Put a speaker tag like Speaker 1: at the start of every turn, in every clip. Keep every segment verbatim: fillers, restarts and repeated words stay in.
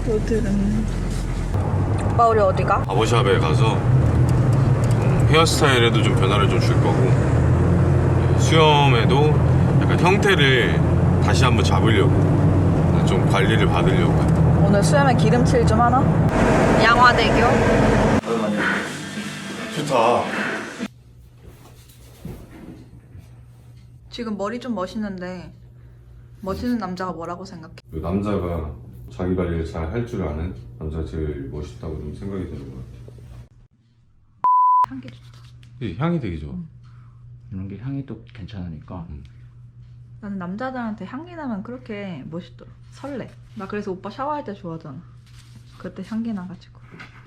Speaker 1: 오늘은 오빠 우리 어디가?
Speaker 2: 바버샵에 가서 음, 헤어스타일에도 좀 변화를 좀 줄 거고 수염에도 약간 형태를 다시 한번 잡으려고 좀 관리를 받으려고.
Speaker 1: 오늘 수염에 기름칠 좀 하나? 양화대교.
Speaker 2: 좋다.
Speaker 1: 지금 머리 좀 멋있는데 멋있는 남자가 뭐라고 생각해?
Speaker 2: 그 남자가 자기 관리를 잘 할 줄 아는 남자가 제일 멋있다고 좀 생각이 드는 것 같아.
Speaker 1: 향기 좋다.
Speaker 2: 이 향이 되게 좋아.
Speaker 1: 음.
Speaker 3: 이런 게 향이 또 괜찮으니까.
Speaker 2: 음.
Speaker 1: 나는 남자들한테 향기 나면 그렇게 멋있더라. 설레. 나 그래서 오빠 샤워할 때 좋아하잖아. 그때 향기 나가지고.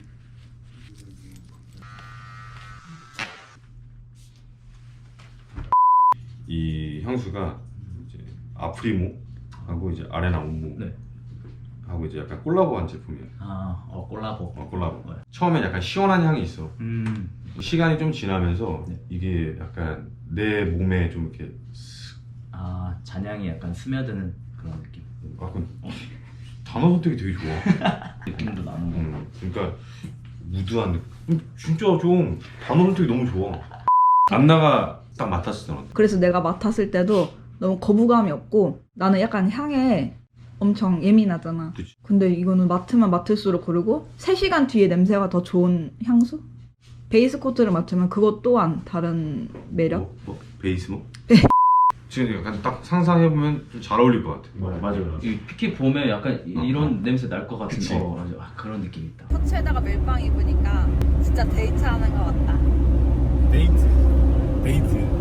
Speaker 2: 이 향수가 이제 아프리모 하고 이제 아레나 온모
Speaker 3: 네.
Speaker 2: 하고 이제 약간 콜라보한 제품이에요.
Speaker 3: 아, 어 콜라보.
Speaker 2: 어, 콜라보.
Speaker 3: 네.
Speaker 2: 처음엔 약간 시원한 향이 있어.
Speaker 3: 음.
Speaker 2: 시간이 좀 지나면서
Speaker 3: 네.
Speaker 2: 이게 약간 내 몸에 좀 이렇게
Speaker 3: 아, 잔향이 약간 스며드는 그런 느낌.
Speaker 2: 아, 그 단어 선택이 되게 좋아.
Speaker 3: 느낌도 나는 거.
Speaker 2: 음, 그러니까 무드한 느낌. 음, 진짜 좀 단어 선택이 너무 좋아. 안나가 딱 맡았을 때는 어때?
Speaker 1: 그래서 내가 맡았을 때도 너무 거부감이 없고 나는 약간 향에 엄청 예민하잖아.
Speaker 2: 그치.
Speaker 1: 근데 이거는 맡으면 맡을수록 그리고 세 시간 뒤에 냄새가 더 좋은 향수? 베이스 코트를 맡으면 그것 또한 다른 매력?
Speaker 2: 뭐? 뭐? 베이스 뭐?
Speaker 1: 네.
Speaker 2: 지금 약간 딱 상상해보면 좀 잘 어울릴 것 같아.
Speaker 3: 맞아요. 이 피키 보면 약간 이-
Speaker 2: 어,
Speaker 3: 이런
Speaker 2: 어.
Speaker 3: 냄새 날 것 같은.
Speaker 2: 그치.
Speaker 3: 어, 맞아. 아, 그런 느낌 있다.
Speaker 1: 셔츠에다가 멜빵 입으니까 진짜 데이트하는 것 같다.
Speaker 2: 데이트. 데이트.